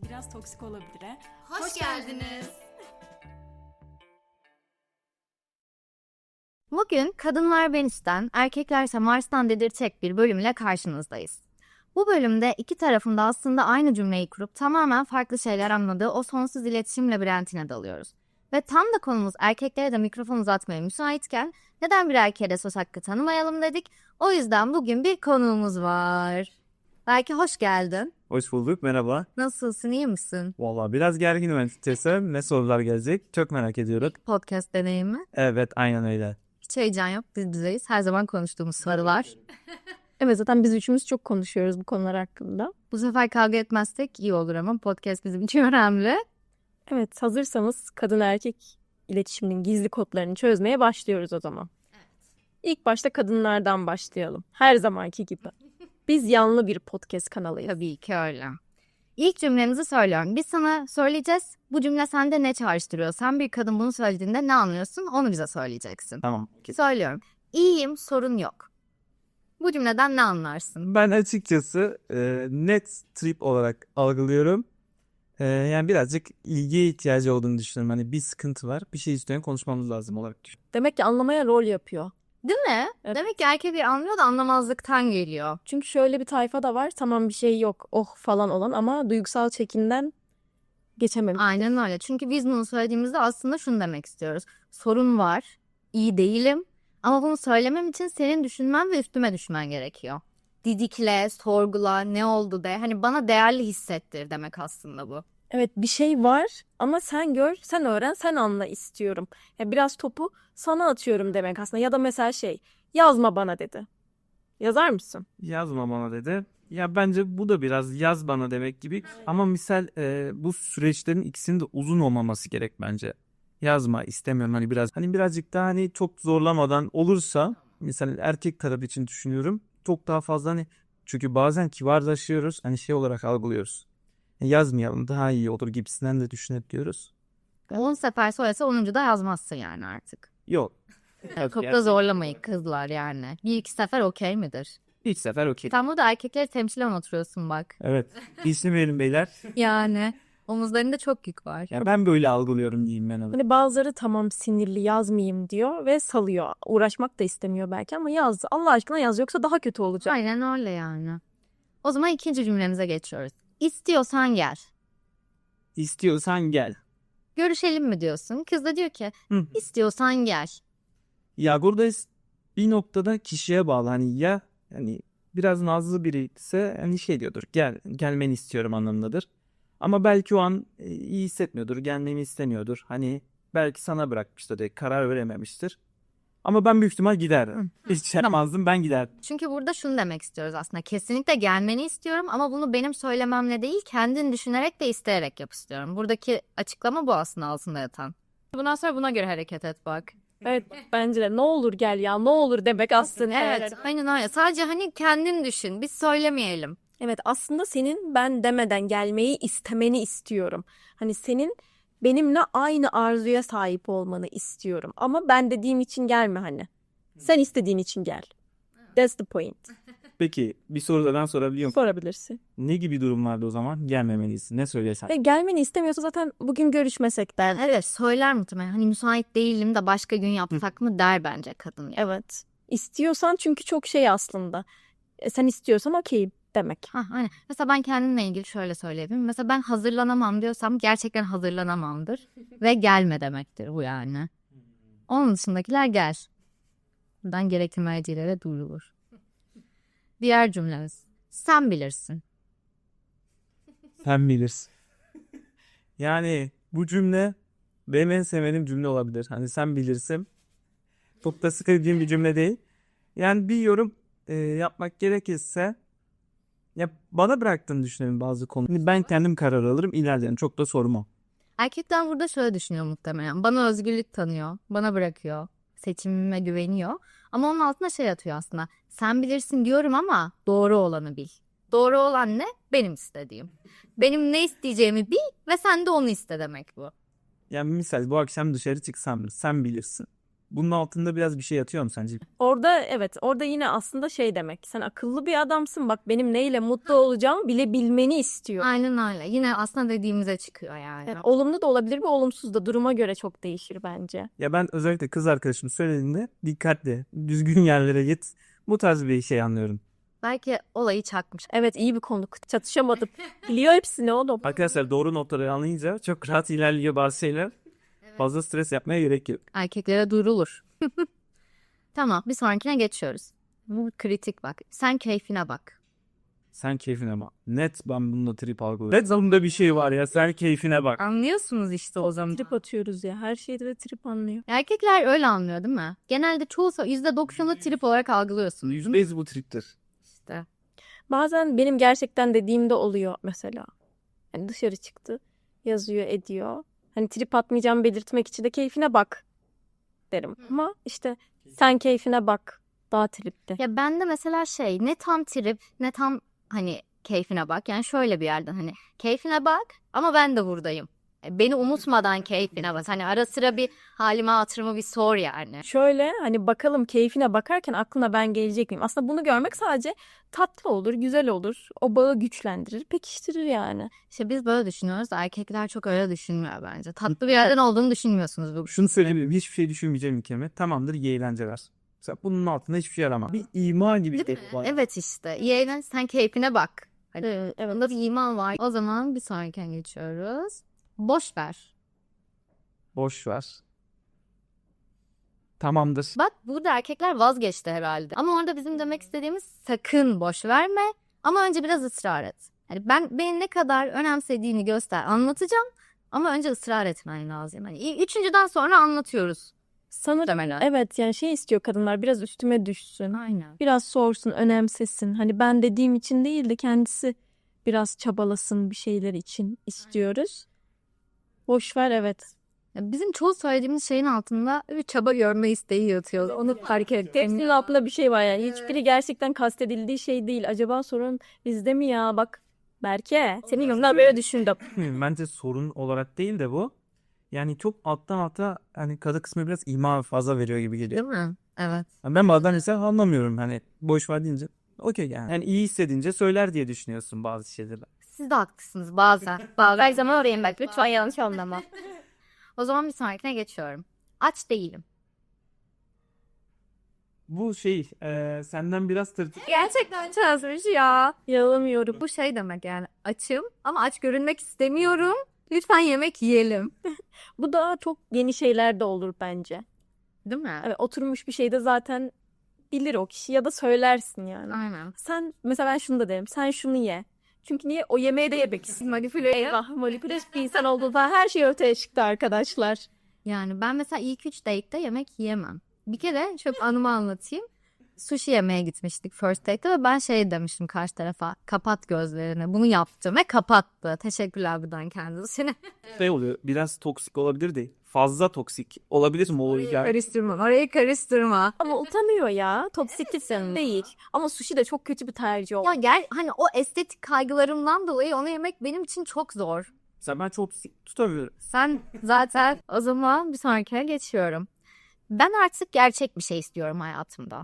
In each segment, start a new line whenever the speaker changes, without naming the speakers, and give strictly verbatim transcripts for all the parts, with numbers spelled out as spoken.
biraz toksik olabilir. He?
Hoş, Hoş geldiniz.
Bugün Kadınlar Venüs'ten, Erkeklerse Mars'tan dedirtecek bir bölümle karşınızdayız. Bu bölümde iki tarafın da aslında aynı cümleyi kurup tamamen farklı şeyler anladığı o sonsuz iletişim labirentine dalıyoruz. Ve tam da konumuz erkeklere de mikrofon uzatmaya müsaitken neden bir erkeğe de söz hakkı tanımayalım dedik. O yüzden bugün bir konuğumuz var. Belki hoş geldin.
Hoş bulduk, merhaba.
Nasılsın, iyi misin?
Vallahi biraz gerginim açıkçası. Ne sorular gelecek çok merak ediyorum.
Podcast deneyimi.
Evet, aynen öyle.
Hiç heyecan yok, biz bizeyiz. Her zaman konuştuğumuz sorular.
Evet, zaten biz üçümüz çok konuşuyoruz bu konular hakkında.
Bu sefer kavga etmezsek iyi olur ama podcast bizim için önemli.
Evet, hazırsanız kadın erkek iletişiminin gizli kodlarını çözmeye başlıyoruz o zaman. Evet. İlk başta kadınlardan başlayalım. Her zamanki gibi. Biz yanlı bir podcast kanalıyız.
Tabii ki öyle. İlk cümlemizi söylüyorum. Biz sana söyleyeceğiz. Bu cümle sende ne çağrıştırıyor? Sen bir kadın bunu söylediğinde ne anlıyorsun? Onu bize söyleyeceksin.
Tamam.
Söylüyorum. İyiyim, sorun yok. Bu cümleden ne anlarsın?
Ben açıkçası e, net trip olarak algılıyorum. E, yani birazcık ilgiye ihtiyacı olduğunu düşünüyorum. Hani bir sıkıntı var, bir şey istiyorum, konuşmamız lazım olarak düşünüyorum.
Demek ki anlamaya rol yapıyor.
Değil mi?
Evet.
Demek ki erkekler anlıyor da anlamazlıktan geliyor.
Çünkü şöyle bir tayfa da var. Tamam bir şey yok, oh falan olan ama duygusal çekinden geçememiş.
Aynen öyle. Çünkü biz bunu söylediğimizde aslında şunu demek istiyoruz. Sorun var, iyi değilim ama bunu söylemem için senin düşünmen ve üstüme düşmen gerekiyor. Didikle, sorgula, ne oldu de. Hani bana değerli hissettir demek aslında bu.
Evet, bir şey var ama sen gör, sen öğren, sen anla istiyorum. Ya biraz topu sana atıyorum demek aslında. Ya da mesela şey, yazma bana dedi. Yazar mısın?
Yazma bana dedi. Ya bence bu da biraz yaz bana demek gibi. Ama misal e, bu süreçlerin ikisinin de uzun olmaması gerek bence. Yazma istemiyorum hani biraz. Hani birazcık daha hani çok zorlamadan olursa mesela erkek taraf için düşünüyorum. Çok daha fazla hani çünkü bazen kibarlaşıyoruz. Hani şey olarak algılıyoruz. Yazmayalım daha iyi olur gibisinden de düşünebiliyoruz.
on sefer söylese onuncu da yazmazsın yani artık.
Yok.
Çok da zorlamayın kızlar yani. Bir iki sefer okey midir?
İlk sefer okey.
Sen burada erkekleri temsilen oturuyorsun bak.
Evet. İsim verin beyler.
Yani omuzlarında çok yük var.
Ya ben böyle algılıyorum diyeyim ben.
Hani bazıları tamam sinirli yazmayayım diyor ve salıyor. Uğraşmak da istemiyor belki ama yaz. Allah aşkına yaz yoksa daha kötü olacak.
Aynen öyle yani. O zaman ikinci cümlemize geçiyoruz. İstiyorsan gel.
İstiyorsan gel.
Görüşelim mi diyorsun? Kız da diyor ki
Hı.
istiyorsan gel.
Ya burada bir noktada kişiye bağlı. Hani ya hani biraz nazlı biri ise hani şey diyordur. Gel, gelmeni istiyorum anlamındadır. Ama belki o an e, iyi hissetmiyordur. Gelmeni istemiyordur. Hani belki sana bırakmıştır diye karar verememiştir. Ama ben büyük ihtimal giderdim. Hiç şey yapmazdım, ben giderdim.
Çünkü burada şunu demek istiyoruz aslında. Kesinlikle gelmeni istiyorum ama bunu benim söylememle değil kendin düşünerek de isteyerek yap istiyorum. Buradaki açıklama bu aslında altında yatan. Bundan sonra buna göre hareket et bak.
Evet, bence de ne olur gel ya ne olur demek aslında.
Evet, aynen öyle. Sadece hani kendin düşün. Biz söylemeyelim.
Evet, aslında senin ben demeden gelmeyi istemeni istiyorum. Hani senin benimle aynı arzuya sahip olmanı istiyorum. Ama ben dediğim için gelme hani. Sen istediğin için gel. That's the point.
Peki bir soru da ben sorabiliyor muyum?
Sorabilirsin.
Ne gibi durumlarda o zaman gelmemelisin? Ne söylesen?
Ve gelmeni istemiyorsa zaten bugün görüşmesek de.
Evet, söyler muhtemelen. Hani müsait değilim de başka gün yapsak mı der bence kadın. Yani.
Evet. İstiyorsan çünkü çok şey aslında. E, sen istiyorsan okey demek.
Ha, aynen. Mesela ben kendimle ilgili şöyle söyleyebilirim. Mesela ben hazırlanamam diyorsam gerçekten hazırlanamamdır. Ve gelme demektir bu yani. Onun dışındakiler gel. Buradan gerekli mercilere duyurulur. Diğer cümlemiz. Sen bilirsin.
Sen bilirsin. Yani bu cümle benim en sevmediğim cümle olabilir. Hani sen bilirsin. Çok da sıkıldığım bir cümle değil. Yani bir yorum e, yapmak gerekirse ya bana bıraktığını düşünüyorum bazı konuları. Ben kendim karar alırım ilerlerim. Çok da sormam.
Erkekler burada şöyle düşünüyor muhtemelen. Bana özgürlük tanıyor. Bana bırakıyor. Seçimime güveniyor. Ama onun altına şey atıyor aslında. Sen bilirsin diyorum ama doğru olanı bil. Doğru olan ne? Benim istediğim. Benim ne isteyeceğimi bil ve sen de onu iste demek bu.
Yani misal bu akşam dışarı çıksam sen bilirsin. Bunun altında biraz bir şey yatıyor mu sence?
Orada evet orada yine aslında şey demek. Sen akıllı bir adamsın bak benim neyle mutlu olacağımı bile bilmeni istiyor.
Aynen öyle. Yine aslında dediğimize çıkıyor yani.
Yani olumlu da olabilir ve olumsuz da duruma göre çok değişir bence.
Ya ben özellikle kız arkadaşım söylediğinde dikkatli, düzgün yerlere git. Bu tarz bir şey anlıyorum.
Belki olayı çakmış.
Evet iyi bir konuk. Çatışamadık. Biliyor hepsini oğlum.
Arkadaşlar doğru notları anlayınca çok rahat ilerliyor bazı şeyler. Fazla stres yapmaya gerek yok.
Erkeklere duyurulur. Tamam, bir sonrakine geçiyoruz. Bu kritik bak. Sen keyfine bak.
Sen keyfine bak. Net ben bununla trip algılıyorum. Net zamında bir şey var ya, sen keyfine bak.
Anlıyorsunuz işte o zaman.
Trip atıyoruz ya. Her şeyde de trip anlıyor.
Erkekler öyle anlıyor değil mi? Genelde çoğu yüzde doksanı trip olarak algılıyorsunuz.
yüzde yüz bu triptir.
İşte.
Bazen benim gerçekten dediğimde oluyor mesela. Yani dışarı çıktı. Yazıyor ediyor. Hani trip atmayacağımı belirtmek için de keyfine bak derim. Ama işte sen keyfine bak. Daha tripli.
Ya bende mesela şey ne tam trip ne tam hani keyfine bak. Yani şöyle bir yerden hani keyfine bak ama ben de buradayım. E, Beni unutmadan keyfine bak. Hani ara sıra bir halime hatırımı bir sor yani.
Şöyle hani bakalım keyfine bakarken aklına ben gelecek miyim? Aslında bunu görmek sadece tatlı olur, güzel olur. O bağı güçlendirir, pekiştirir yani.
İşte biz böyle düşünüyoruz da erkekler çok öyle düşünmüyor bence. Tatlı bir yerden olduğunu düşünmüyorsunuz bu.
Şunu söyleyeyim, hiçbir şey düşünmeyeceğim ülkeme. Tamamdır, iyi eğlenceler. Mesela bunun altında hiçbir şey arama. Bir ima gibi
Değil mi?
var.
Evet işte. İyi eğlen sen keyfine bak. Hani
Evet, evet.
bunda bir iman var. O zaman bir sonrakine geçiyoruz. Boş ver.
Boş ver. Tamamdır.
Bak burada erkekler vazgeçti herhalde. Ama orada bizim demek istediğimiz sakın boş verme. Ama önce biraz ısrar et. Yani ben beni ne kadar önemsediğini göster. Anlatacağım. Ama önce ısrar etmen lazım. Hani üçüncüden sonra anlatıyoruz.
Sanırım
Muhtemelen.
evet yani şey istiyor kadınlar biraz üstüme düşsün.
Aynen.
Biraz sorsun, önemsesin. Hani ben dediğim için değil de kendisi biraz çabalasın bir şeyler için istiyoruz. Boş ver evet.
Ya bizim çoğu söylediğimiz şeyin altında bir çaba görme isteği yatıyor. Onu fark ettim.
Hepsinin altında bir şey var yani. Hiçbiri gerçekten kastedildiği şey değil. Acaba sorun bizde mi ya? Bak Berke senin yanında böyle düşündüm.
Bence sorun olarak değil de bu. Yani çok alttan alta hani kadı kısmı biraz ima fazla veriyor gibi geliyor.
Değil mi? Evet.
Yani ben bazen mesela anlamıyorum hani boş ver deyince. Okey yani. Yani iyi hissedince söyler diye düşünüyorsun bazı şeyleri.
Siz de haklısınız bazen. Bazen. Her zaman orayım bak. Lütfen yanlış anlama. O zaman bir sonrakine geçiyorum. Aç değilim.
Bu şey e, senden biraz tırtık.
Gerçekten çözmüş ya.
Yalamıyorum.
Bu şey demek yani açım ama aç görünmek istemiyorum. Lütfen yemek yiyelim.
Bu da çok yeni şeyler de olur bence.
Değil mi?
Evet, oturmuş bir şeyde zaten bilir o kişi ya da söylersin yani.
Aynen.
Sen mesela ben şunu da derim. Sen şunu ye. Çünkü niye? O yemeği de yemek istiyor.
Manipüle.
Eyvah manipüle bir insan olduğu falan her şey ortaya çıktı arkadaşlar.
Yani ben mesela ilk üç date'te yemek yiyemem. Bir kere şöyle bir anımı anlatayım. Sushi yemeye gitmiştik first date'te ve ben şey demiştim karşı tarafa. Kapat gözlerini. Bunu yaptım ve kapattı. Teşekkürler buradan kendisine.
Şey oluyor biraz toksik olabilir değil. Fazla toksik olabilir mi o hikaye?
Karıştırma. Orayı karıştırma.
Ama utanıyor ya. Toksiklisin değil. Ama sushi de çok kötü bir tercih oldu.
Ya gel hani o estetik kaygılarımdan dolayı onu yemek benim için çok zor.
Mesela ben çok toksik tutamıyorum.
Sen zaten o zaman bir sonrakine geçiyorum. Ben artık gerçek bir şey istiyorum hayatımda.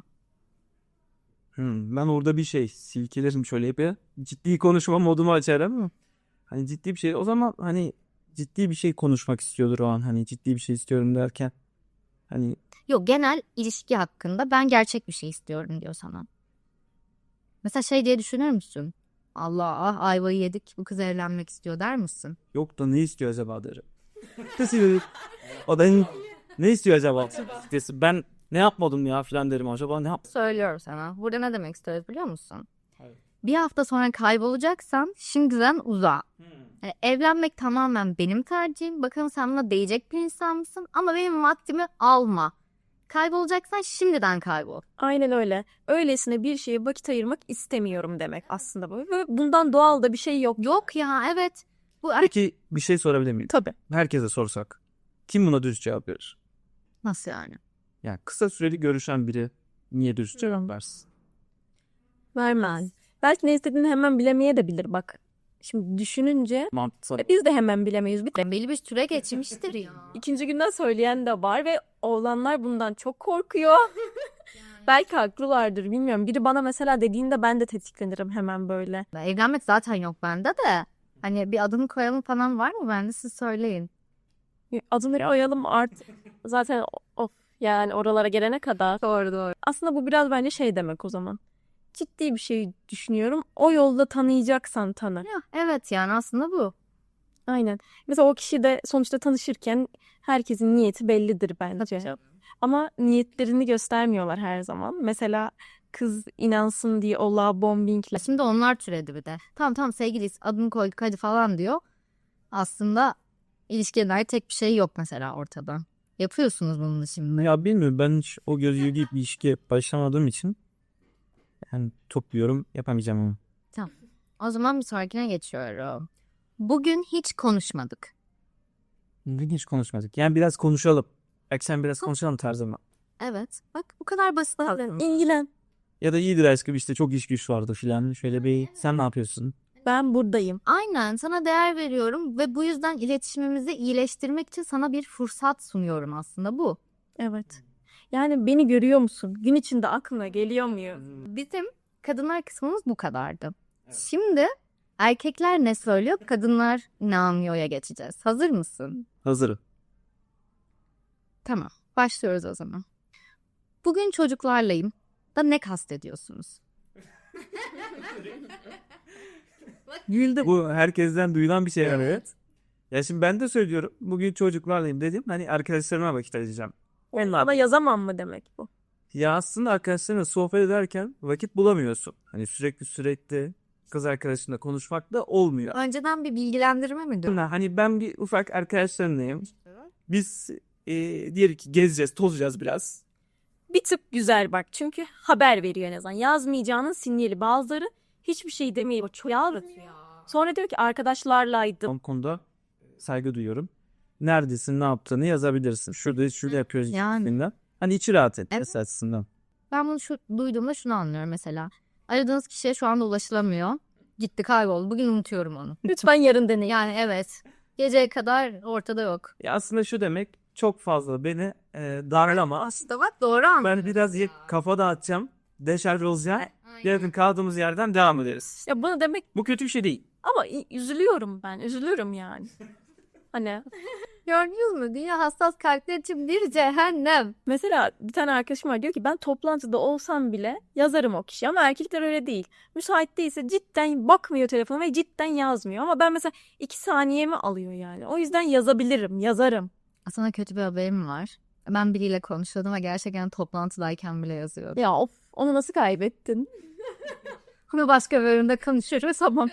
Hmm, ben orada bir şey silkelerim şöyle yapıyor. Ciddi konuşma modumu açarım. Hani ciddi bir şey. O zaman hani ciddi bir şey konuşmak istiyordur o an. Hani ciddi bir şey istiyorum derken. Hani
Yok genel ilişki hakkında ben gerçek bir şey istiyorum diyor sana. Mesela şey diye düşünür müsün? Allah ah, ayvayı yedik bu kız evlenmek istiyor der misin?
yok da ne istiyor acaba derim. Nasıl o da ne, ne istiyor acaba? Ben ne yapmadım ya falan derim. Acaba ne yap?
Söylüyorum sana. Burada ne demek istiyoruz biliyor musun?
Evet.
Bir hafta sonra kaybolacaksan şimdiden uza. Yani evlenmek tamamen benim tercihim. Bakalım sen buna değecek bir insan mısın? Ama benim vaktimi alma. Kaybolacaksan şimdiden kaybol.
Aynen öyle. Öylesine bir şeye vakit ayırmak istemiyorum demek aslında bu. Ve bundan doğal da bir şey yok.
Yok ya evet. Bu
Peki bir şey sorabilir miyim?
Tabii.
Herkese sorsak. Kim buna dürüst cevap verir?
nasıl yani?
Yani kısa süreli görüşen biri niye dürüst cevap versin?
Vermez. Belki ne istediğini hemen bilemeye de bilir bak. Şimdi düşününce
Mantıksal.
biz de hemen bilemeyiz. Bir
Belli bir süre geçmiştir ya.
İkinci günden söyleyen de var ve oğlanlar bundan çok korkuyor. Belki haklılardır, bilmiyorum. Biri bana mesela dediğinde ben de tetiklenirim hemen böyle.
Evlenmek zaten yok bende de. Hani bir adını koyalım falan var mı? Bende siz söyleyin.
Adımları ayalım artık. Zaten of yani oralara gelene kadar.
Doğru doğru.
Aslında bu biraz bence şey demek o zaman. Ciddi bir şey düşünüyorum. O yolda tanıyacaksan tanı.
Ya, evet yani aslında bu.
Aynen. Mesela o kişi de sonuçta tanışırken herkesin niyeti bellidir bence. Ama niyetlerini göstermiyorlar her zaman. Mesela kız inansın diye o love bombingle.
Şimdi onlar türedi bir de. Tamam tamam sevgiliyiz adını koyduk hadi falan diyor. Aslında ilişkiye dair tek bir şey yok mesela ortada. Yapıyorsunuz bunu şimdi.
Ya bilmiyorum, ben hiç o gözü giyip bir ilişkiye başlamadığım için yani çok bir yorum yapamayacağım ama.
O zaman bir sonrakine geçiyorum. Bugün hiç konuşmadık.
Bugün hiç konuşmadık. Yani biraz konuşalım. Akşam biraz konuşalım tarzıma.
Evet. Bak bu kadar basit aslında.
İlgilen.
Ya da iyidir aşkım işte çok iş güç vardı filan. Şöyle bir sen ne yapıyorsun?
Ben buradayım.
Aynen sana değer veriyorum ve bu yüzden iletişimimizi iyileştirmek için sana bir fırsat sunuyorum aslında bu.
Evet. Yani beni görüyor musun? Gün içinde aklına geliyor muyum?
Bizim kadınlar kısmımız bu kadardı. Şimdi erkekler ne söylüyor, kadınlar ne anlıyor'ya geçeceğiz. Hazır mısın?
Hazırım.
Tamam. Başlıyoruz o zaman. Bugün çocuklarlayım da ne kastediyorsunuz?
Güldüm. Bu herkesten duyulan bir şey. Evet. Ya şimdi ben de söylüyorum. Bugün çocuklarlayım dedim. Hani arkadaşlarıma vakit ayıracağım. Onlar.
Ama yazamam mı demek bu?
Ya aslında arkadaşlarınla sohbet ederken vakit bulamıyorsun. Hani sürekli sürekli kız arkadaşınla konuşmak da olmuyor.
Önceden bir bilgilendirme mi diyor?
Hani ben bir ufak arkadaşlarımlayım. Biz e, diyelim ki gezeceğiz, tozacağız biraz.
Bir tık güzel bak. Çünkü haber veriyor en azından. Yazmayacağının sinyali. Bazıları hiçbir şey demeyi çok yazmıyor. Sonra diyor ki arkadaşlarlaydım.
O konuda saygı duyuyorum. Neredesin, ne yaptığını yazabilirsin. Şurada şurada yapıyoruz
Yani.
gibisinden. Hani içi rahat et
Evet.
açısından.
Ben bunu şu, duyduğumda şunu anlıyorum mesela. Aradığınız kişiye şu anda ulaşılamıyor. Gitti kayboldu. Bugün unutuyorum onu.
Lütfen yarın deneyin.
Yani evet. Geceye kadar ortada yok.
Ya aslında şu demek, çok fazla beni e, darlama.
Aslında bak doğru anladın.
Ben biraz ye- kafa dağıtacağım. Deşarj olacağım. Yarın kaldığımız yerden devam ederiz.
Ya bunu demek
Bu kötü bir şey değil.
ama i- üzülüyorum ben. Üzülürüm yani. Hani
Gördünüz mü? Dünya hassas kalpler için bir cehennem.
mesela bir tane arkadaşım var diyor ki ben toplantıda olsam bile yazarım o kişiye ama erkekler öyle değil. Müsait değilse cidden bakmıyor telefona ve cidden yazmıyor ama ben mesela iki saniyemi alıyor yani. O yüzden yazabilirim, yazarım.
Sana kötü bir haberim var. Ben biriyle konuşuyordum ve gerçekten toplantıdayken bile yazıyordu.
Ya of onu nasıl kaybettin?
Bunu başka bir bölümde konuşuruz tamam.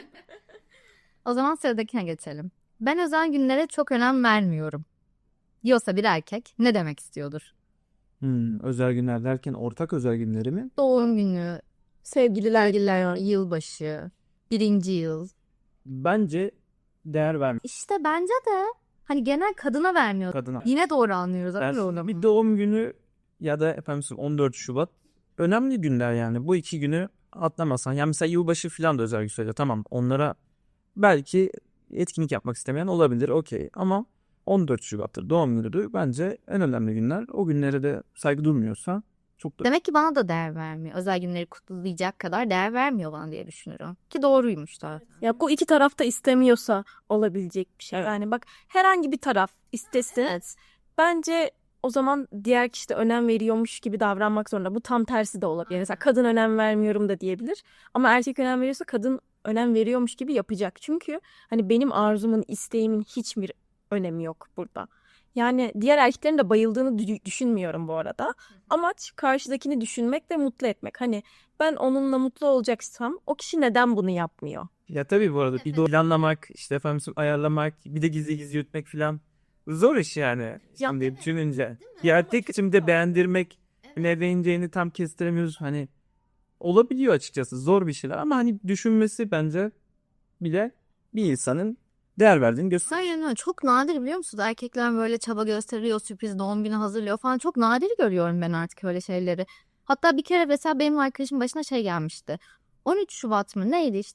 O zaman sıradakine geçelim. Ben özel günlere çok önem vermiyorum. Diyorsa bir erkek ne demek istiyordur?
Hmm, özel günler derken ortak özel günleri mi?
Doğum günü, sevgililer günler, yılbaşı, birinci yıl.
Bence değer vermiyor
İşte bence de hani genel kadına vermiyor.
kadına.
Yine doğru anlıyoruz.
Ben-
Öyle olur.
bir doğum günü ya da efendim on dört Şubat önemli günler yani. Bu iki günü atlamasan. Yani mesela yılbaşı falan da özel gün söyle. Tamam, onlara belki etkinlik yapmak istemeyen olabilir. Okey. Ama on dört Şubat'tır, doğum günüdür. Bence en önemli günler. O günlere de saygı durmuyorsa çok da
Demek ki bana da değer vermiyor. Özel günleri kutlayacak kadar değer vermiyor bana diye düşünüyorum. Ki doğruymuş da.
Ya bu iki taraf da istemiyorsa olabilecek bir şey. Yani bak herhangi bir taraf istesin. Bence o zaman diğer kişi de önem veriyormuş gibi davranmak zorunda. Bu tam tersi de olabilir. Mesela kadın önem vermiyorum da diyebilir. Ama erkek önem veriyorsa kadın önem veriyormuş gibi yapacak. Çünkü hani benim arzumun, isteğimin hiçbir önemi yok burada. Yani diğer erkeklerin de bayıldığını dü- düşünmüyorum bu arada. Amaç karşıdakini düşünmek ve mutlu etmek. Hani ben onunla mutlu olacaksam o kişi neden bunu yapmıyor?
Ya tabii bu arada bir doğum planlamak, işte efendim ayarlamak, bir de gizli gizli yürütmek falan zor iş yani. Şimdi düşününce. Bir erkek için de beğendirmek, ne beğeneceğini tam kestiremiyoruz. Hani olabiliyor açıkçası, zor bir şeyler ama hani düşünmesi bence bile bir insanın değer verdiğini gösteriyor.
Aynen öyle. Çok nadir biliyor musunuz? Erkekler böyle çaba gösteriyor, sürpriz doğum günü hazırlıyor falan. Çok nadir görüyorum ben artık öyle şeyleri. Hatta bir kere mesela benim arkadaşım başına şey gelmişti. on üç Şubat mı neydi işte biz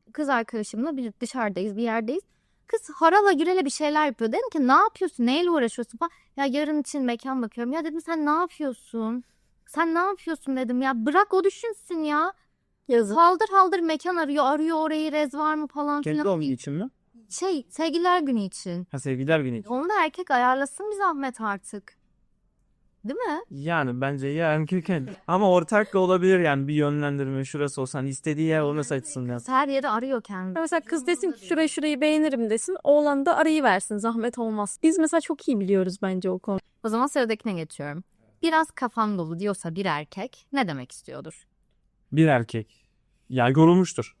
kız arkadaşımla bir dışarıdayız, bir yerdeyiz. Kız harala gürele bir şeyler yapıyor. Dedim ki ne yapıyorsun? Neyle uğraşıyorsun falan. Ya yarın için mekan bakıyorum. Ya dedim sen ne yapıyorsun? Sen ne yapıyorsun dedim ya. Bırak o düşünsün ya.
Yazık.
Haldır haldır mekan arıyor. Arıyor orayı rez var mı falan
Kendi
filan.
doğum günü için mi?
Şey sevgililer günü için.
Ha, sevgililer günü için.
Onu da erkek ayarlasın bir zahmet artık. Değil mi?
Yani bence ya erkek ama ortak da olabilir yani bir yönlendirme şurası olsan istediği yer onu seçsin ya.
Her yeri arıyor kendi.
Mesela kız desin ki şurayı şurayı beğenirim desin. Oğlan da arayı versin. Zahmet olmaz. Biz mesela çok iyi biliyoruz bence o konu.
O zaman sıradakine geçiyorum. Biraz kafam dolu diyorsa bir erkek ne demek istiyordur?
Bir erkek. Ya yorulmuştur.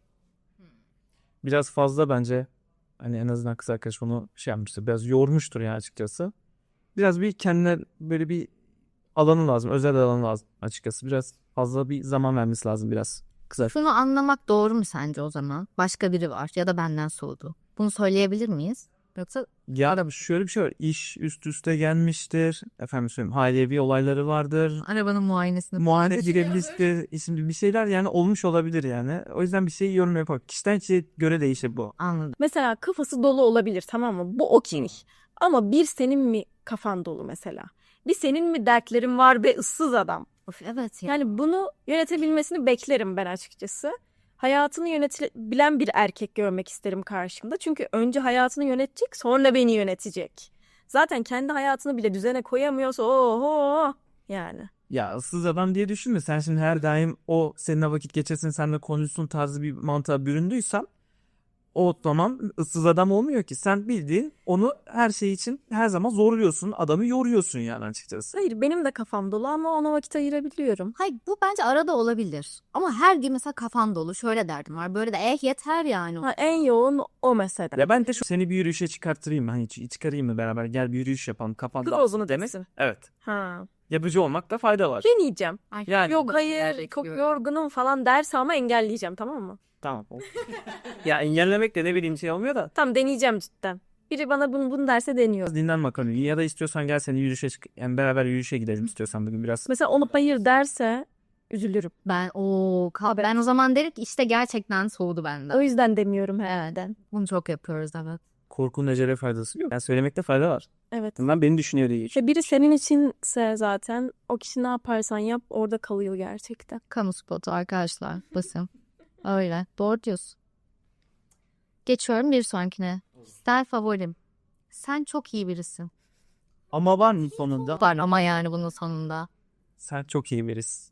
Biraz fazla bence hani en azından kız arkadaş onu şey yapmıştır. Biraz yormuştur ya açıkçası. Biraz bir kendine böyle bir alanı lazım. Özel alanı lazım açıkçası. Biraz fazla bir zaman vermesi lazım biraz kız arkadaş.
Şunu anlamak doğru mu sence o zaman? Başka biri var ya da benden soğudu. Bunu söyleyebilir miyiz? Yoksa
Ya da şöyle bir şey var. İş üst üste gelmiştir. Efendim söyleyeyim ailevi olayları vardır.
arabanın muayenesini...
Muayene girebilirsin isimli bir şeyler yani olmuş olabilir yani. O yüzden bir şey yorum yapar. Kişiden kişiye göre değişir bu.
Anladım.
Mesela kafası dolu olabilir, tamam mı? Bu okey. Ama bir senin mi kafan dolu mesela? Bir senin mi dertlerin var be ıssız adam?
Of, evet ya.
Yani bunu yönetebilmesini beklerim ben açıkçası. Hayatını yönetebilen bir erkek görmek isterim karşımda. Çünkü önce hayatını yönetecek, sonra beni yönetecek. Zaten kendi hayatını bile düzene koyamıyorsa oho yani.
Ya ıssız adam diye düşünme. Sen şimdi her daim o seninle vakit geçirsin, seninle konuşsun tarzı bir mantığa büründüysen o zaman ıssız adam olmuyor ki. Sen bildiğin onu her şey için her zaman zorluyorsun. Adamı yoruyorsun yani açıkçası.
Hayır, benim de kafam dolu ama ona vakit ayırabiliyorum.
Hayır bu bence arada olabilir. Ama her gün mesela kafan dolu şöyle derdim var. Böyle de eh yeter yani.
Ha, en yoğun o mesela.
Ya ben de şu seni bir yürüyüşe çıkarttırayım mı? Hani ç- çıkarayım mı beraber? Gel bir yürüyüş yapalım. Kafan
Kız
dağılsın
olsun
demek.
desin.
Evet.
Ha.
Yapıcı olmakta fayda var.
Deneyeceğim.
Ay,
Yani
Yok hayır çok yorgunum falan derse ama engelleyeceğim, tamam mı?
tamam. Ya engellemek de ne bileyim şey olmuyor da.
Tamam, deneyeceğim cidden. Biri bana bunu, bunu derse deniyor.
Biraz dinlen bakalım. Ya da istiyorsan gel seni yürüyüşe çık. Yani beraber yürüyüşe gidelim istiyorsan bugün biraz.
Mesela onu hayır derse üzülürüm.
Ben o ben o zaman derim ki işte gerçekten soğudu
O
benden.
yüzden demiyorum herhalde.
Bunu çok yapıyoruz evet.
Korkunun ecele faydası yok. Yani söylemekte fayda var.
Evet.
Ben beni düşünüyor diye.
İşte biri senin içinse zaten o kişi ne yaparsan yap orada kalıyor gerçekten.
Kamu spotu arkadaşlar. Basın. Öyle. Doğru diyorsun. Geçiyorum bir sonrakine. Kişisel favorim. Sen çok iyi birisin.
Ama var mı sonunda?
Var ama yani bunun sonunda.
Sen çok iyi birisin.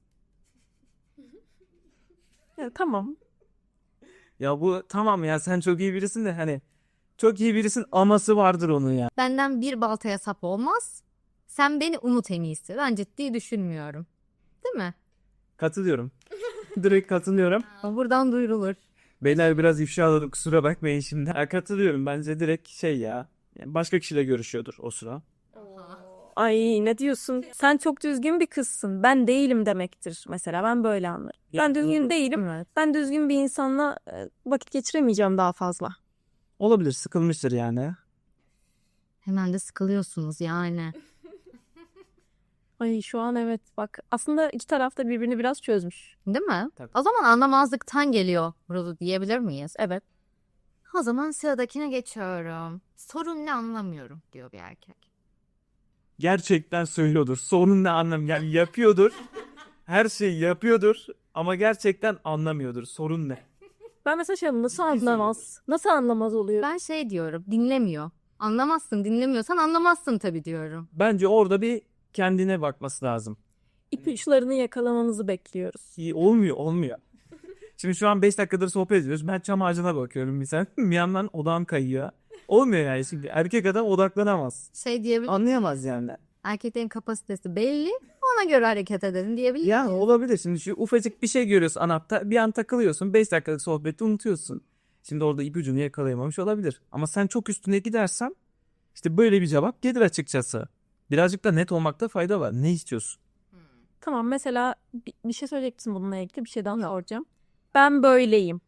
Ya, tamam.
Ya bu tamam ya sen çok iyi birisin de hani çok iyi birisin aması vardır onun ya.
Benden bir baltaya sap olmaz. Sen beni unut en iyisi. Ben ciddi düşünmüyorum. Değil mi?
Katılıyorum. Direkt katılıyorum.
Buradan duyurulur.
Beyler biraz ifşaladım kusura bakmayın şimdi. Ha, katılıyorum bence direkt şey ya. Yani başka kişiyle görüşüyordur o sıra.
Ay ne diyorsun? Sen çok düzgün bir kızsın. Ben değilim demektir mesela. Ben böyle anlarım. Ben düzgün değilim.
Evet.
Ben düzgün bir insanla e, vakit geçiremeyeceğim daha fazla.
Olabilir sıkılmıştır yani.
Hemen de sıkılıyorsunuz yani.
Ay şu an evet bak aslında iki taraf da birbirini biraz çözmüş.
Değil mi?
Tabii.
O zaman anlamazlıktan geliyor burada diyebilir miyiz?
Evet.
O zaman sıradakine geçiyorum. Sorun ne anlamıyorum diyor bir erkek.
Gerçekten söylüyordur. Sorun ne anlam yani yapıyordur. Her şeyi yapıyordur ama gerçekten anlamıyordur. Sorun ne?
Ben mesela şey nasıl anlamaz? Nasıl anlamaz oluyor?
Ben şey diyorum dinlemiyor. Anlamazsın dinlemiyorsan anlamazsın tabii diyorum.
Bence orada bir kendine bakması lazım.
İpuçlarını yakalamamızı bekliyoruz.
İyi, olmuyor olmuyor. Şimdi şu an beş dakikadır sohbet ediyoruz. Ben çam ağacına bakıyorum misal. Bir yandan odağım kayıyor. Olmuyor yani şimdi. Erkek adam odaklanamaz.
Şey diyebilir
Anlayamaz yani.
erkeklerin kapasitesi belli ona göre hareket edelim diyebilir
Yani
miyiz?
olabilir. Şimdi şu ufacık bir şey görüyorsun anapta. Bir an takılıyorsun. beş dakikalık sohbeti unutuyorsun. Şimdi orada ipucunu yakalayamamış olabilir. Ama sen çok üstüne gidersen işte böyle bir cevap gelir açıkçası. Birazcık da net olmakta fayda var. Ne istiyorsun?
Tamam mesela bir, bir şey söyleyeceksin bununla ilgili bir şey daha soracağım. Ben böyleyim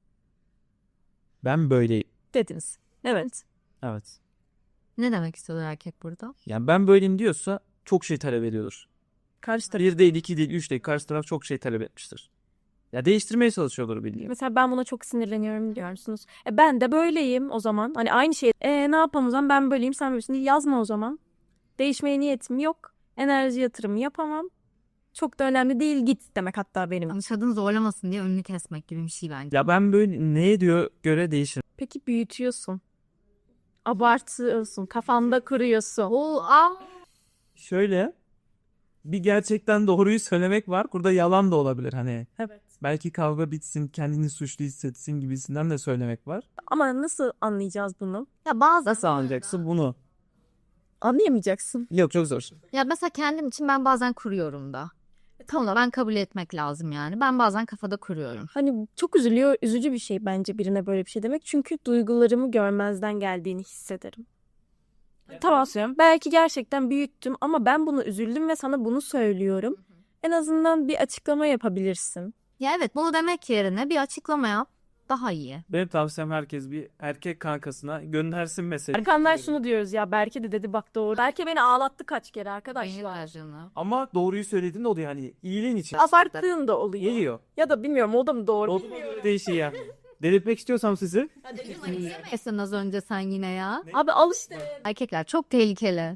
Ben böyleyim.
dediniz. Evet.
Evet.
Ne demek istiyor erkek burada?
Yani ben böyleyim diyorsa çok şey talep ediyordur.
Karşı taraf.
Bir değil, iki değil, üç değil. Karşı taraf çok şey talep etmiştir. Ya değiştirmeye çalışıyordur bildiğim.
Mesela ben buna çok sinirleniyorum biliyor musunuz? E ben de böyleyim o zaman. Hani aynı şey. E ne yapalım o zaman, ben böyleyim sen böylesin. Yazma o zaman. Değişmeye niyetim yok. Enerji yatırımı yapamam. Çok da önemli değil, git demek hatta benim.
Anlaşadın zorlamasın diye önünü kesmek gibi bir şey bence.
Ya ben böyle neye diyor göre değişir.
Peki büyütüyorsun. Abartıyorsun. Kafanda kuruyorsun.
Oo, aa.
Şöyle bir gerçekten doğruyu söylemek var. Burada yalan da olabilir hani.
Evet.
Belki kavga bitsin, kendini suçlu hissetsin gibisinden de söylemek var.
Ama nasıl anlayacağız bunu?
Ya bazı
Nasıl anlayacaksın bunu?
Anlayamayacaksın.
Yok çok zor.
Ya mesela kendim için ben bazen kuruyorum da. Tamam da ben kabul etmek lazım yani. Ben bazen kafada kuruyorum.
Hani çok üzülüyor, üzücü bir şey bence birine böyle bir şey demek. Çünkü duygularımı görmezden geldiğini hissederim. Tamam söylüyorum. Belki gerçekten büyüttüm ama ben bunu üzüldüm ve sana bunu söylüyorum. En azından bir açıklama yapabilirsin.
Ya evet, bunu demek yerine bir açıklama yap. Daha iyi.
Benim tavsiyem herkes bir erkek kankasına göndersin mesajı.
Erkanlar şunu diyoruz ya, Berke de dedi bak doğru. Berke beni ağlattı kaç kere arkadaşlar.
Ama doğruyu söylediğin de oluyor hani iyiliğin için.
Abarttığın da oluyor.
Geliyor.
Ya da bilmiyorum, o da mı doğru?
Olduğuna göre değişiyor yani. Delirtmek istiyorsam sizi.
Esin az önce sen yine ya.
Abi al işte.
Erkekler çok tehlikeli.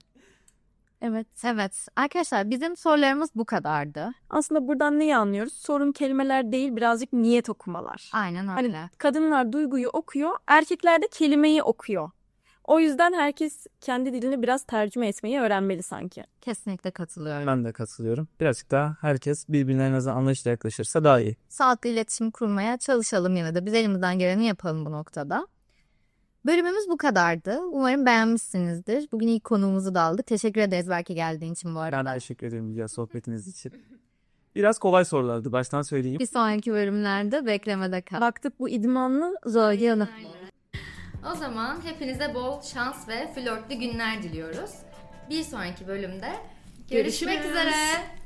Evet.
Evet arkadaşlar, bizim sorularımız bu kadardı.
Aslında buradan neyi anlıyoruz? Sorun kelimeler değil, birazcık niyet okumalar.
Aynen
Hani
öyle.
kadınlar duyguyu okuyor, erkekler de kelimeyi okuyor. O yüzden herkes kendi dilini biraz tercüme etmeyi öğrenmeli sanki.
Kesinlikle katılıyorum.
Ben de katılıyorum. Birazcık daha herkes birbirine en azından anlayışla yaklaşırsa daha iyi.
Sağlıklı iletişim kurmaya çalışalım yine de. Biz elimizden geleni yapalım bu noktada. Bölümümüz bu kadardı. Umarım beğenmişsinizdir. Bugün ilk konuğumuzu da aldık. Teşekkür ederiz belki geldiğin için bu arada.
Ben de teşekkür ederim güzel sohbetiniz için. Biraz kolay sorulardı baştan söyleyeyim.
Bir sonraki bölümlerde beklemede kal.
Baktık bu idmanlı Zölge Hanım.
O zaman hepinize bol şans ve flörtlü günler diliyoruz. Bir sonraki bölümde görüşmek
Görüşürüz.
üzere.